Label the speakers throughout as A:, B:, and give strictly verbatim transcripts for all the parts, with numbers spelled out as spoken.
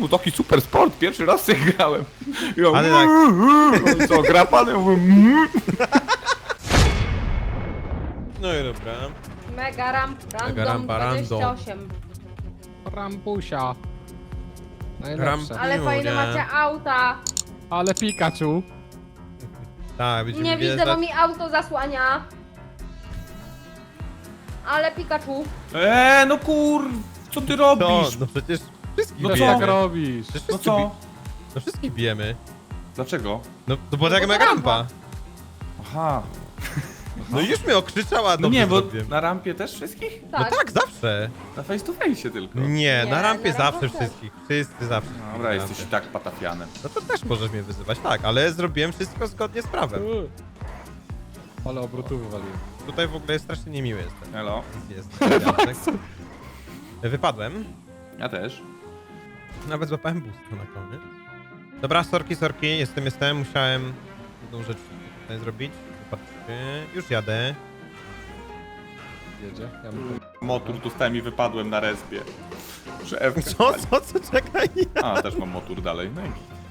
A: był taki super sport, pierwszy raz sobie grałem. Ja,
B: Ale tak.
A: no co, gra pan? Ja mówię, mm.
B: No i dobra.
C: Mega ramp, random
B: Mega rampa, random.
C: dwadzieścia osiem.
D: Rampusia. Najlepsze.
B: Rampa.
C: Ale fajne
B: Julia.
C: macie auta.
D: Ale Pikachu.
B: Tak, będziemy
C: Nie widzę,
B: wjeżdżać.
C: bo mi auto zasłania. Ale Pikachu.
A: Eee, no kur... Co ty
B: To,
A: robisz?
B: no przecież wszystkich
A: No
D: No
A: co?
D: co tak
B: bijemy.
D: robisz?
B: Przecież
A: No
B: wszystkich
A: co?
B: bi- No wszystkich bijemy.
A: Dlaczego?
B: No to była taka
C: bo to
B: mega
C: rampa.
B: rampa.
A: Aha.
B: No i już mnie okrzyczała,
A: No
B: dobrze
A: nie, bo
B: zrobiłem.
A: na rampie też wszystkich?
B: No
C: Tak.
B: tak, zawsze.
A: Na face to face tylko.
B: Nie,
C: Nie,
B: na rampie
C: na
B: zawsze
C: rampie też.
B: wszystkich. Wszyscy zawsze.
A: Dobra,
B: Na
A: jesteś i
B: rampie.
A: tak patafianem.
B: No to też możesz mnie wyzywać, tak, ale zrobiłem wszystko zgodnie z prawem.
D: Uy. Ale obrotów wywaliłem.
B: Tutaj w ogóle strasznie niemiły jestem.
A: Hello.
B: Jest. Jacek. Wypadłem.
A: Ja też.
B: Nawet złapałem boost na koniec. Dobra, sorki, sorki, jestem, jestem, musiałem jedną rzecz tutaj zrobić. Zobaczcie, już jadę.
D: Jedzie. Ja bym...
A: Motor dostałem i wypadłem na respie. Szef.
B: Co, co, co, czekaj.
A: A, też mam motor dalej. No i...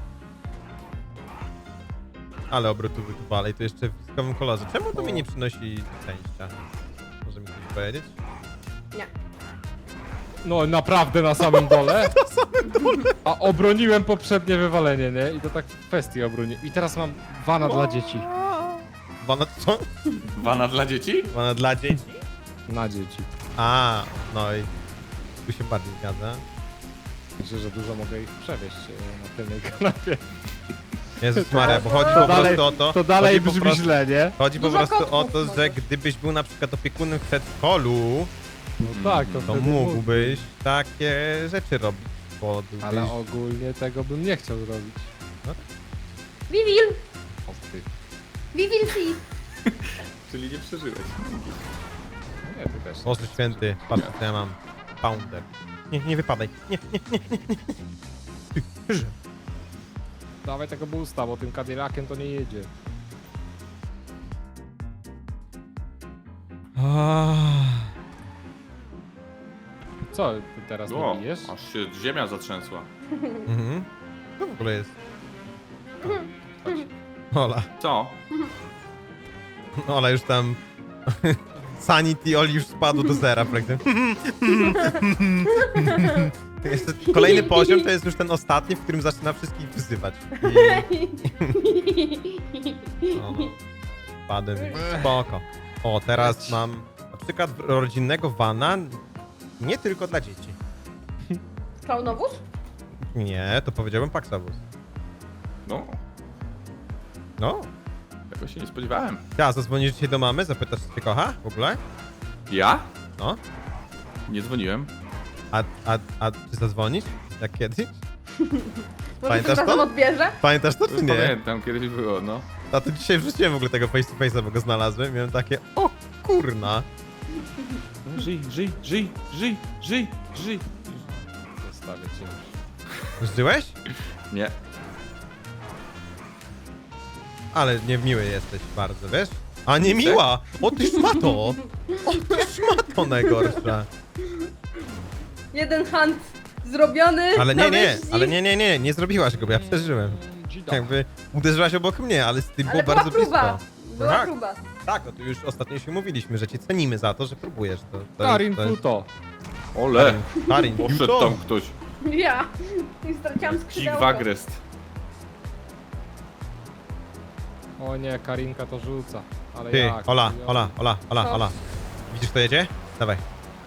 B: Ale obrotowy tu dalej, to jeszcze w wyjątkowym kolorze. Czemu to mi nie przynosi szczęścia? Może mi ktoś powiedzieć?
C: Nie.
D: No naprawdę na samym dole? Na samym dole. A obroniłem poprzednie wywalenie, nie? I to tak w kwestii obroniłem. I teraz mam wana dla dzieci.
B: Wana, co?
A: Wana dla dzieci?
B: Wana dla dzieci?
D: Na dzieci.
B: A, no i tu się bardziej zgadza.
D: Myślę, że dużo mogę ich przewieźć e, na tylnej kanapie.
B: Jezus Maria, bo chodzi
C: To
B: po
D: dalej-
B: prostu o to...
D: To dalej
B: chodzi po
D: brzmi
B: prostu-
D: źle, nie?
B: Chodzi po
C: Dużo
B: prostu o
C: kotków
B: to, że
C: możesz.
B: gdybyś był na przykład opiekunem w przedszkolu,
D: No tak, to,
B: to
D: wtedy
B: mógłbyś takie rzeczy robić, bo byłbyś...
D: Ale ogólnie tego bym nie chciał zrobić.
C: Vivil!
D: O ty.
C: Vivil si!
A: Czyli nie przeżyłeś.
D: Nie, ty też.
B: Boże święty, patrz co ja mam. Pounder. Nie, nie wypadaj. Nie, nie, nie, nie, nie. Ty, że.
D: Dawaj tego boosta, bo tym Cadillaciem to nie jedzie. Co, ty teraz
A: O,
D: nie bijesz?
A: aż się ziemia zatrzęsła.
B: Mhm. Co w ogóle jest?
A: Chodź.
B: Ola.
A: Co?
B: Ola już tam... Sanity Oli już spadł do zera praktycznie. To jest kolejny poziom to jest już ten ostatni, w którym zaczyna wszystkich wyzywać. I... No, no. Padłem, więc spoko. O, teraz
D: Leć.
B: mam na przykład rodzinnego vana, nie tylko dla dzieci.
C: Klaunowóz?
B: Nie, to powiedziałbym Paxabus.
A: No,
B: No,
A: tego się nie spodziewałem.
B: ja zadzwonisz dzisiaj do mamy, zapytasz, czy cię kocha w ogóle?
A: Ja?
B: No,
A: Nie dzwoniłem.
B: a, a, a ty zadzwonisz? Jak kiedyś?
C: Może
B: Pamiętasz
C: tym
B: to?
C: razem odbierze?
B: Pamiętasz to, czy nie?
A: Pamiętam, kiedyś było, no.
B: A to dzisiaj wrzuciłem w ogóle tego face to face'a, bo go znalazłem. Miałem takie, o kurna.
A: Żyj, żyj, żyj, żyj, żyj, żyj.
D: Zostawię cię.
B: Żyłeś?
A: Nie.
B: Ale niemiły jesteś bardzo, wiesz? A nie miła! O ty szmato! O ty szmato najgorsza!
C: Jeden hunt zrobiony.
B: Ale
C: na
B: nie, nie,
C: wyścig.
B: ale nie, nie, nie, nie zrobiłaś go, bo ja przeżyłem.
D: Dzida.
B: Jakby uderzyłaś obok mnie, ale z tym
C: Ale
B: było
C: była
B: bardzo
C: próba.
B: blisko.
C: Była
B: Tak.
C: próba.
B: Tak, no to już ostatnio się mówiliśmy, że cię cenimy za to, że próbujesz to. to
D: Karin
B: jest, to jest...
D: Futo.
A: Ole,
B: Karin,
A: poszedł
B: Futo.
A: tam ktoś.
C: Ja. I straciłam
A: Dzik
C: skrzydełko.
A: Wagrest.
D: O nie, Karinka to rzuca. Ale
B: Ty,
D: jak?
B: Ola,
D: Ja-
B: Ola, Ola, Ola,
C: Co?
B: Ola. Widzisz, kto jedzie? Dawaj.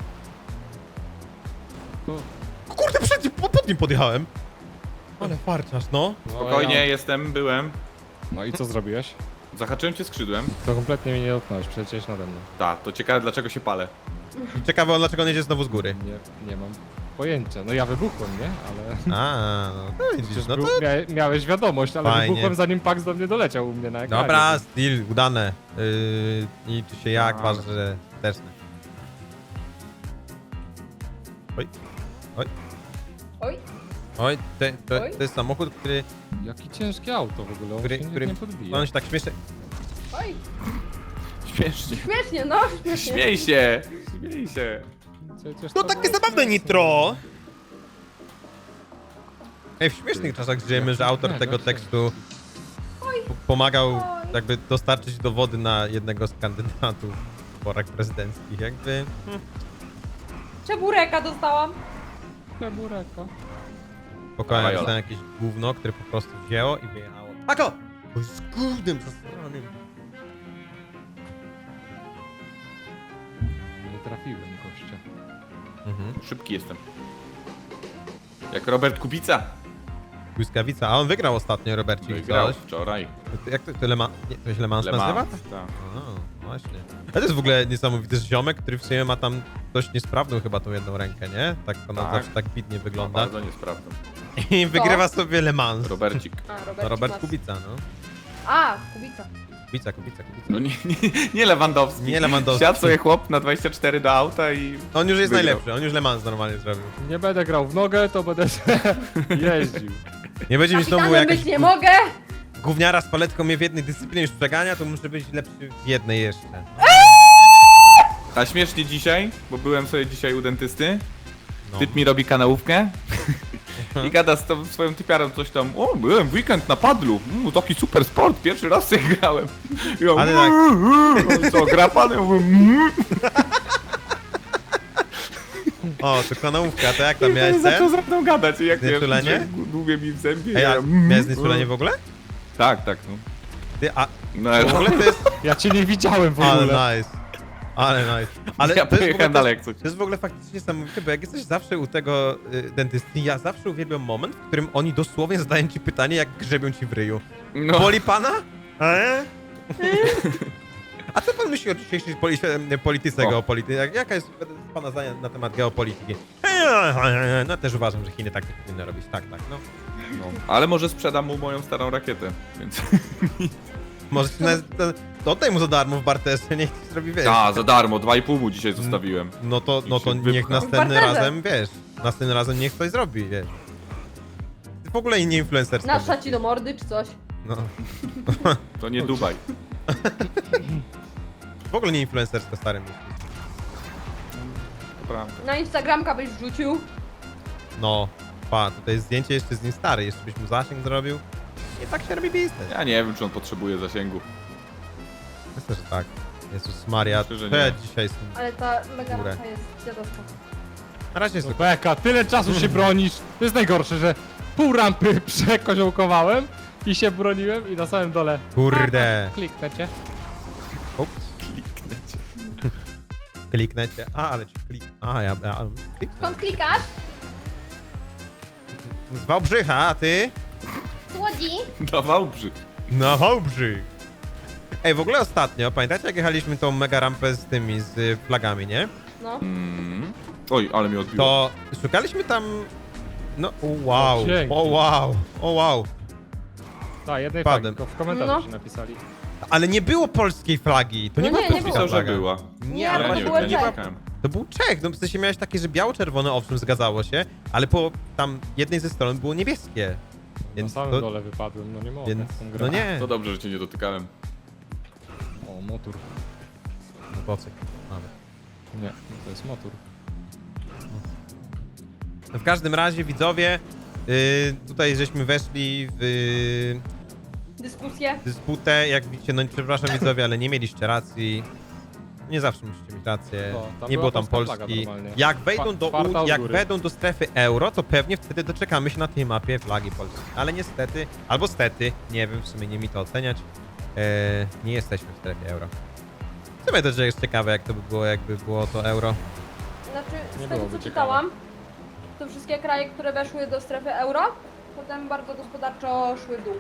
D: Tu.
B: Kurde, przed, po- pod nim podjechałem. Ale farciarz, no.
D: No,
A: Spokojnie,
D: ja-
A: jestem, byłem.
D: No i co zrobiłeś?
A: Zahaczyłem cię skrzydłem.
D: To kompletnie mnie nie dotknąłeś, przecież nade mną.
A: Tak, to ciekawe dlaczego się palę.
B: I ciekawe, on dlaczego on jedzie znowu z góry.
D: Nie, nie mam pojęcia. No ja wybuchłem, nie? Ale...
B: A, no to widzisz,
D: Przecież
B: no
D: był,
B: to...
D: mia miałeś wiadomość, ale
B: Fajnie.
D: wybuchłem zanim Pax do mnie doleciał u mnie na ekranie.
B: Dobra, styl, udane. Yy, liczy się jak,
A: Dobra.
B: ważne, że też. Oj,
C: Oj.
B: oj, te, to,
C: Oj.
B: to jest samochód, który,
D: Jakie ciężkie auto w ogóle, on
B: który,
D: się nie,
B: który
D: nie podbija.
B: on się tak śmieszy.
C: Oj.
A: Śmiesznie.
C: Śmiesznie, no. Śmiesznie.
A: Śmiej się! Śmiej się!
D: Przecież
B: No
D: to
B: takie
D: było
B: zabawne
D: śmieszne.
B: nitro! Ej, w śmiesznych czasach żyjemy, że autor
D: Nie,
B: tego
D: dobrze.
B: tekstu p- pomagał
C: Oj.
B: jakby dostarczyć dowody na jednego z kandydatów w wyborach prezydenckich. Jakby...
C: Czebureka dostałam.
D: Czebureko.
B: Spokojnie,
A: Dawaj,
B: dostałem jakieś gówno, które po prostu wzięło i wyjechało. Ako! Bo z gównem zasranym.
D: Nie trafiłem gościa.
B: Mhm.
A: Szybki jestem. Jak Robert Kubica.
B: Błyskawica, a on wygrał ostatnio, Robercik.
A: Wygrał
B: Coś.
A: wczoraj.
B: Jak to, to Le Mans, nie, to się Le Mans
A: Le
B: nazywa?
A: Mans, tak.
B: A, właśnie. A to jest w ogóle niesamowity ziomek, który w sumie ma tam dość niesprawną chyba tą jedną rękę, nie? Tak ona
A: Tak.
B: zawsze tak widnie
A: No,
B: wygląda.
A: bardzo niesprawny.
B: I wygrywa sobie Le Mans.
A: Robercik.
C: A,
B: No,
C: Robert,
B: Robert
C: Mas.
B: Kubica, no.
C: A, Kubica.
B: Kubica, Kubica, Kubica.
A: No nie, nie, nie Lewandowski.
B: Nie Lewandowski.
A: Siadł sobie chłop na dwadzieścia cztery do auta i...
B: On już jest
A: Wygrał.
B: najlepszy, on już Le Mans normalnie zrobił.
D: Nie będę grał w nogę, to będę jeździł.
B: Nie będzie mi znowu
C: Kapitanem
B: jakaś
C: być nie mogę.
B: gówniara z paletką mnie w jednej dyscyplinie już przegania, to muszę być lepszy w jednej jeszcze.
A: A śmiesznie dzisiaj, bo byłem sobie dzisiaj u dentysty.
B: No.
A: Typ mi robi kanałówkę. I gada z tą swoją typiarą coś tam. O, byłem w weekend na padlu. Mm, taki super sport, pierwszy raz sobie grałem. I ja,
B: Ale tak.
A: "Mm, co, gra pan? Ja mówię, "Mm".
B: O, to kanałówka, to jak tam miałeś
A: I zaczął
B: sen?
A: ze mną gadać. I jak
B: Znieczulenie?
A: że długie mi w zębie.
B: Ej,
A: ja,
B: a
A: "Mm".
B: miałeś znieczulenie w ogóle?
A: Tak, tak. No.
B: Ty, a
A: No,
B: w ogóle to jest...
D: Ja cię nie widziałem w
B: Ale
D: ogóle.
B: nice. Ale nice. Ale
A: ja
B: to jest, w ogóle,
A: pojechałem
B: to,
A: dalej
B: jest,
A: jak coś.
B: to jest w ogóle faktycznie niesamowite, bo jak jesteś zawsze u tego y, dentysty, ja zawsze uwielbiam moment, w którym oni dosłownie zadają ci pytanie, jak grzebią ci w ryju.
A: No.
B: Boli pana? E? A co pan myśli o dzisiejszej poli polityce
A: O.
B: geopolityki? Jak, jaka jest pana zdanie na temat geopolityki? No też uważam, że Chiny tak nie powinny robić. Tak, tak, no.
A: No. Ale może sprzedam mu moją starą rakietę, więc...
B: Może ci na, to, oddaj mu za darmo w barterze, niech ci zrobi, wiesz.
A: A, za darmo, dwa i pół mu dzisiaj zostawiłem.
B: No to, no to
A: I się
B: niech
A: wypcha.
B: następnym
C: W barterze.
B: razem, wiesz, następnym razem niech ktoś zrobi, wiesz. Ty w ogóle nie influencerska.
C: Nasza ci do mordy czy coś.
B: No,
A: To nie Dubaj.
B: w ogóle nie influencerska starym myślisz.
A: To prawda.
C: Na Instagramka byś wrzucił.
B: No, pa, tutaj zdjęcie jeszcze z nim stary, jeszcze byś mu zasięg zrobił. I tak się robi biznes.
A: Ja nie wiem, czy on potrzebuje zasięgu.
B: Myślę, że tak. Jezus Maria,
A: Myślę, że
B: to ja
A: nie.
B: dzisiaj jestem...
C: Ale ta mega
B: Górę.
C: masa jest dziadowska.
B: Na razie jest
D: No
B: okej.
D: Beka, tyle czasu się bronisz. To jest najgorsze, że pół rampy przekoziołkowałem i się broniłem i na samym dole...
B: Kurde.
D: Kliknę cię.
B: Ups,
A: Kliknę cię.
B: kliknę cię. A, ale ci klik... A, ja... ja kliknę.
C: Skąd klikasz?
B: Z Wałbrzycha, a ty?
C: Słodzi.
A: Dawał brzyd.
B: Na Wałbrzych. Ej, w ogóle ostatnio, pamiętacie jak jechaliśmy tą mega rampę z tymi, z y, flagami, nie?
C: No.
A: Mm. Oj, ale mi odbiło.
B: To szukaliśmy tam... No, o wow,
D: O, dzięki.
B: o wow, o wow.
D: Tak, jednej
B: Padłem.
D: flagi, tylko w komentarzu
C: No.
D: się napisali.
B: Ale nie było polskiej flagi, to nie
C: No
B: była
C: nie, nie
B: polska
A: Pisał, że
B: flaga.
A: była.
C: Nie,
A: ale
C: to
A: nie
C: było
A: wiem, ja nie
C: Czech.
A: pamiętam.
B: To był Czech, no w sensie miałeś takie, że biało-czerwone, owszem, zgadzało się, ale po tam jednej ze stron było niebieskie.
D: Na
B: Więc
D: samym
B: to,
D: dole wypadłem, no nie mogę.
B: więc,
D: tą grę.
B: no nie.
A: To dobrze, że cię nie dotykałem.
D: O, motor.
B: Motocykl, nawet.
D: Nie, no to jest motor.
B: No w każdym razie, widzowie, yy, tutaj żeśmy weszli w yy,
C: Dyskusje.
B: dysputę, jak widzicie, no przepraszam widzowie, ale nie mieliście racji. Nie zawsze musicie mieć rację.
D: O, tam
B: nie
D: była
B: było tam
D: polska flaga
B: Polski.
D: normalnie.
B: Jak wejdą do,
D: Czwarta
B: U-
D: od
B: jak
D: góry.
B: wejdą do strefy euro, to pewnie wtedy doczekamy się na tej mapie flagi Polski. Ale niestety, albo stety, nie wiem, w sumie nie mi to oceniać, e, nie jesteśmy w strefie euro. W sumie to jest ciekawe, jak to by było, jakby było to euro.
C: Znaczy,
D: Nie
C: z tego
D: byłoby
C: co
D: ciekawe.
C: czytałam, to wszystkie kraje, które weszły do strefy euro, potem bardzo gospodarczo szły w dół.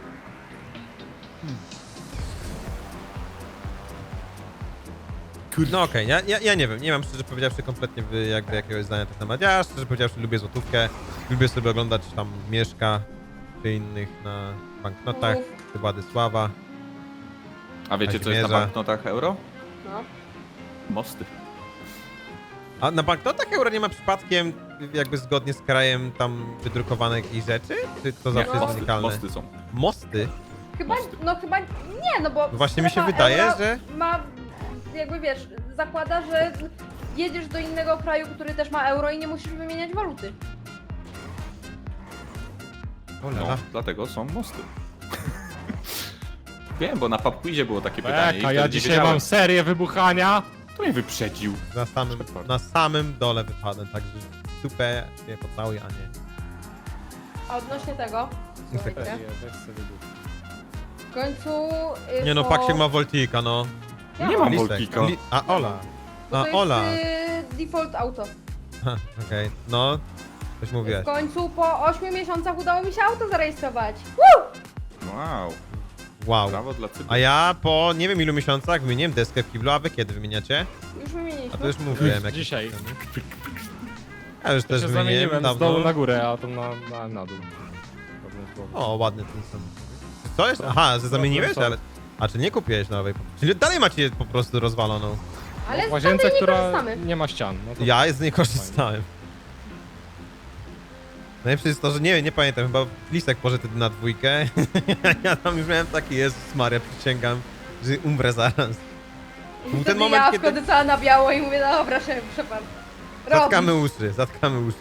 B: No okej, ja, ja, ja nie wiem, nie mam szczerze powiedziawszy kompletnie wy- jakby jakiegoś zdania na ten temat. Ja szczerze powiedziawszy lubię złotówkę, lubię sobie oglądać tam Mieszka czy innych na banknotach,
C: Mów.
B: czy Władysława.
A: A wiecie, co jest na
B: Kazimierza.
A: banknotach euro?
C: No.
A: Mosty.
B: A na banknotach euro nie ma przypadkiem jakby zgodnie z krajem tam wydrukowanych jakichś rzeczy? Czy to zawsze jest
A: mosty,
B: unikalne?
A: mosty są.
B: Mosty?
C: Chyba, no chyba nie, no bo
B: No właśnie mi się
C: strefa
B: wydaje,
C: euro
B: że-
C: ma, jakby wiesz, zakłada, że jedziesz do innego kraju, który też ma euro i nie musisz wymieniać waluty.
B: O,
A: No,
B: lala.
A: dlatego są mosty. Wiem, bo na pubquizie było takie pytanie i
D: Eka,
A: wtedy
D: ja
A: nie
D: dzisiaj
A: wiedziałem.
D: mam serię wybuchania.
A: To mnie wyprzedził.
B: Na samym, na samym dole wypadłem, także super się pocałuję, a nie.
C: A odnośnie tego, słuchajcie,
D: Serię, weź sobie wybuch.
C: w końcu... y,
B: Nie no,
C: po-
B: Paksiek ma Voltika, no.
C: Ja
A: Nie mam
B: Lisek.
A: Voltika.
B: Li- A, Ola.
C: Bo
B: A,
C: to jest
B: Ola.
C: y, default auto.
B: Ha, okej, no. Coś mówiłeś.
C: W końcu po ośmiu miesiącach udało mi się auto zarejestrować. Woo!
A: Wow,
B: Wow.
A: brawo dla Cypru.
B: A ja po nie wiem ilu miesiącach wymieniłem deskę w kiblu, a wy kiedy wymieniacie?
C: Już wymieniliśmy.
B: A to już mówiłem. jak
D: Dzisiaj.
B: Ja już
D: Ja
B: też
D: się
B: wymieniłem
D: zamieniłem z
B: dawno.
D: dołu na górę, a to na, na, na dół. Problem z głową.
B: O, ładny ten sam. Co jest? Aha, że zamieniłeś? Ale... A czy nie kupiłeś nowej? Czyli dalej macie je po prostu rozwaloną.
C: Ale
D: W
C: z
D: łazience,
C: tamtej nie
D: która
C: korzystamy.
D: nie ma ścian. No to
B: Ja z niej korzystałem. Najlepsze jest to, że nie, nie pamiętam, chyba Lisek poszedł wtedy na dwójkę. Ja tam już miałem taki, Jezus Maria, przysięgam, że umrę zaraz.
C: I
B: ten
C: wtedy
B: moment,
C: ja
B: kiedy-
C: wchodzę cała na biało i mówię, dobra, szef, przepadł.
B: Zatkamy uszy, zatkamy uszy.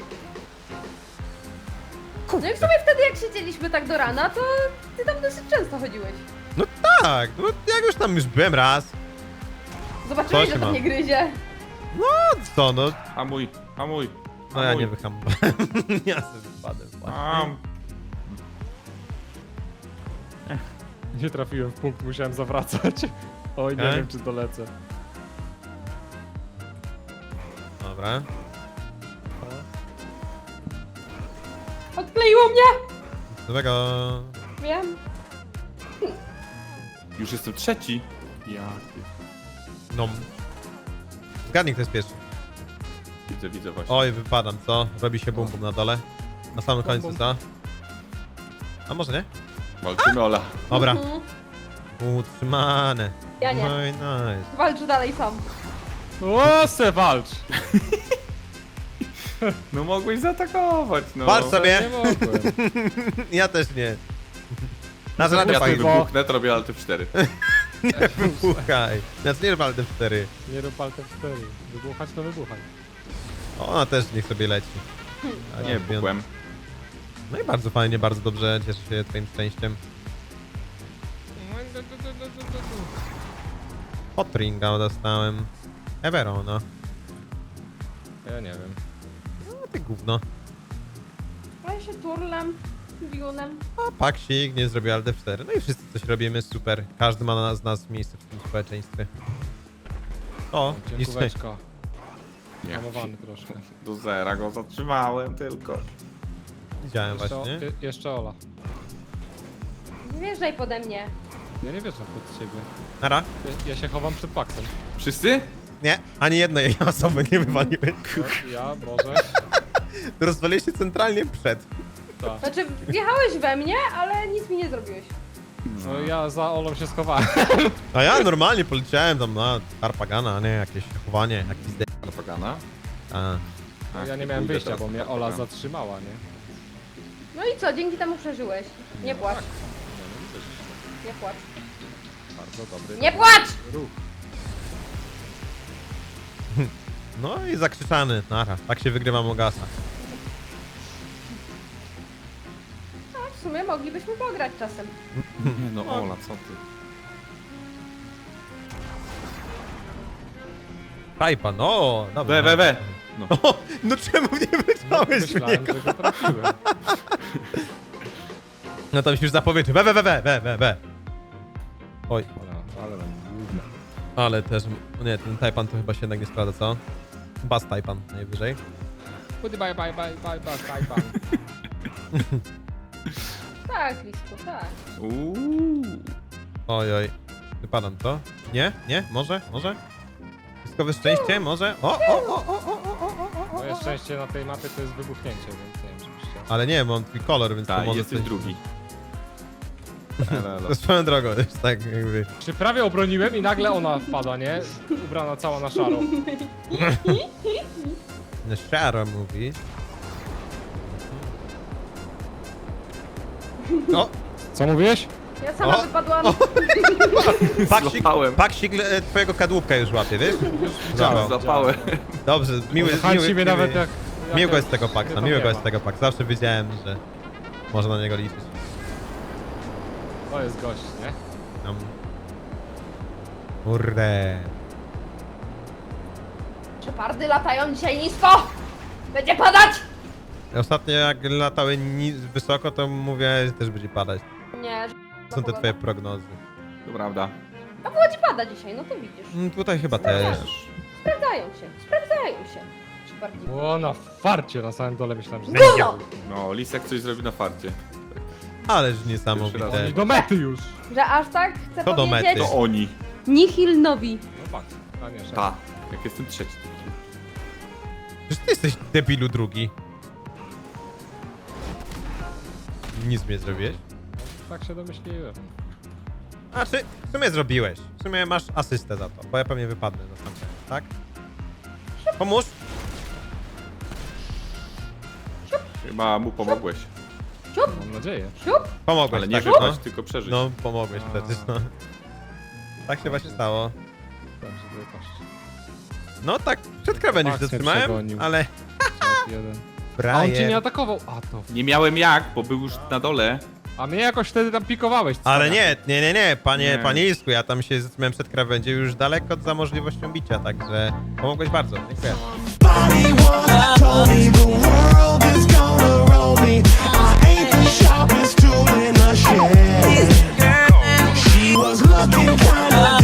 C: No i w sumie wtedy jak siedzieliśmy tak do rana, to ty tam dosyć często chodziłeś.
B: No tak, no jak już tam już byłem raz.
C: Zobaczyłeś,
B: Co
C: że
B: się
C: to
B: ma?
C: nie gryzie.
B: No co, no,
A: Hamuj, hamuj.
B: no ja
A: hamuj.
B: nie wyhamowałem. Ja sobie wypadłem właśnie.
A: Am.
D: nie trafiłem w punkt, musiałem zawracać. Oj, nie
B: Okej.
D: wiem czy dolecę.
B: Dobra.
C: Odkleiło mnie!
B: Nowego.
C: Wiem.
A: Już jestem trzeci. Ja.
B: No. Zgadnij, kto jest pierwszy.
A: Widzę, widzę właśnie.
B: Oj, wypadam, co? Robi się bum bum na dole. Na samym
D: Bum,
B: końcu,
D: bum.
B: co? A może nie?
A: Walczymy, Ola.
B: Dobra.
C: Mhm.
B: Utrzymane.
C: Ja nie.
B: No i nice.
C: Walcz dalej sam.
D: O, se walcz!
A: No mogłeś zaatakować, no.
B: Walcz sobie.
D: Nie mogłem.
B: Ja też nie. Na żadne
A: Ja tu
B: fajne.
D: tylko-
A: wybuchnę, to robię Alt F cztery.
B: Nie wybuchaj. Znaczy nie rób Alt F cztery.
D: Nie rób Alt F cztery. Wybuchać to wybuchaj.
B: Ona też niech sobie leci. A
A: Nie, buchłem.
B: No i bardzo fajnie, bardzo dobrze. Cieszę się twoim szczęściem. Hotringa dostałem. Everona.
D: Ja nie wiem.
B: No ty gówno.
C: A ja się turlem, bionem.
B: A Paksik nie zrobił Alt F cztery. No i wszyscy coś robimy, super. Każdy ma na- z nas miejsce w tym społeczeństwie. O, nic nie.
D: Dziękóweczka.
A: Nie.
D: Hamowany troszkę.
A: Do zera go zatrzymałem tylko.
B: Widziałem
D: Jeszcze,
B: właśnie.
D: je, jeszcze Ola.
C: Nie wjeżdżaj pode mnie.
D: Ja nie wierzę pod ciebie.
B: Nara.
D: Ja, ja się chowam przed Paxem.
A: Wszyscy?
B: Nie, ani jednej osoby nie wywaliły.
D: No, ja, może.
B: Rozwaliliście centralnie przed.
D: Tak.
C: Znaczy, wjechałeś we mnie, ale nic mi nie zrobiłeś.
D: No ja za Olą się schowałem.
B: A ja normalnie poleciałem tam na Harpagana, a nie jakieś chowanie, jakiś de...
A: Propaganda?
B: A.
A: Ach,
D: Ja nie
A: nie
D: miałem
A: pójdę
D: wyjścia,
A: teraz
D: bo
A: na
D: mnie
A: propaganda.
D: Ola zatrzymała, nie?
C: No i co, dzięki temu przeżyłeś. Nie płacz,
D: Nie, no widzę, że
C: nie płacz.
D: bardzo dobry.
C: Nie płacz!
D: Ruch.
B: No i zakrzyczany, nara. Tak się wygrywa Mogasa.
C: No, w sumie moglibyśmy pograć czasem.
A: Nie no, Ola, co ty?
B: Tajpa, no, dobra.
A: We, we, we. No.
B: O, no czemu nie wyczałeś w
D: Myślałem,
B: niego?
D: że go trafiłem.
B: No to mi się już zapowiedzi. We, we, we, we, we, we, we. Oj,
D: Ola, ale tam główne.
B: ale też... o Nie, ten Tajpan to chyba się jednak nie sprawdza, co? Bas Tajpan najwyżej.
D: Bye, bye, bye, bye, bye, bye, bye.
C: Tak, Lisku, tak.
A: Uuu.
B: Oj, oj. Wypadam, co? Nie? Nie? Może? Może? Wszystko szczęście? Może? O, o, o, o, o, o, o, o.
D: Moje szczęście na tej mapie to jest wybuchnięcie, więc nie wiem, czy byście...
B: Ale nie, bo on twój kolor, więc to
A: Tak,
B: może
A: jesteś
B: coś-
A: drugi. Elo, elo.
B: To swoją drogą, już tak jakby...
D: Czy prawie obroniłem i nagle ona wpada, nie? Ubrana cała na szaro.
B: Na szaro mówi. No,
D: Co mówiłeś?
C: Ja sama
B: O,
C: wypadłam.
B: Paksik,
A: Złapałem.
B: Paksik e, twojego kadłubka już łapie, wiesz?
D: Widziałem,
B: Złapał.
A: Złapałem.
B: Dobrze, miły,
D: Chęci
B: miły,
D: mnie
B: miły,
D: nawet jak... jak
B: miłego
D: jak-
B: jest tego
D: nie
B: Paksa,
D: tam
B: miłego
D: nie
B: jest
D: ma.
B: tego Paksa. Zawsze wiedziałem, że można na niego liczyć.
D: To jest gość, nie?
B: Tam. Kurde.
C: Szepardy latają dzisiaj nisko! Będzie padać!
B: Ostatnio jak latały ni- wysoko, to mówię, że też będzie padać.
C: Nie,
B: To są te twoje prognozy.
A: To prawda.
C: a Łodzi pada dzisiaj, no to widzisz.
B: Mm, tutaj chyba też.
C: Sprawdzają się, sprawdzają się. Szepardi.
D: O, na farcie na samym dole myślałem, że
C: Gówno!
A: No, Lisek coś zrobi na farcie.
B: Ależ
A: Pierwszy
B: niesamowite.
A: raz.
D: Oni do mety już.
C: Że aż tak chcę
B: To do
C: powiedzieć...
B: mety.
A: To oni.
C: Nihil nowi.
D: No patrz. A nie, szef.
A: Ta. Jak jestem trzeci.
B: Przecież ty jesteś debilu drugi. Nic mnie zrobiłeś.
D: Tak się domyśliłem.
B: Znaczy, w sumie zrobiłeś. W sumie masz asystę za to, bo ja pewnie wypadnę na sam koniec, tak? Pomóż.
A: Chyba mu pomogłeś.
D: Mam nadzieję.
C: Siup!
B: Pomogłeś,
A: Ale nie
B: tak?
A: wypaść,
B: No,
A: tylko przeżyć.
B: no pomogłeś przecież, no. Tak się właśnie stało.
D: Dobrze, wypaść.
B: No tak, przed krawędzią się
D: Max mnie
B: zatrzymałem,
D: przegonił.
B: ale...
D: Czas jeden. A on cię nie
B: Brian.
D: atakował. A to.
A: Nie miałem jak, bo był już na dole.
D: A mnie jakoś wtedy tam pikowałeś.
B: Ale
D: cwaniaku.
B: nie, nie, nie, nie, panie,
A: Nie.
B: panie Isku, ja tam się zatrzymałem przed krawędzią już daleko za możliwością bicia, także pomogłeś bardzo, dziękuję.
E: Body once told me the world is gonna roll me. I ain't the sharpest tool in the shed. She was looking kinda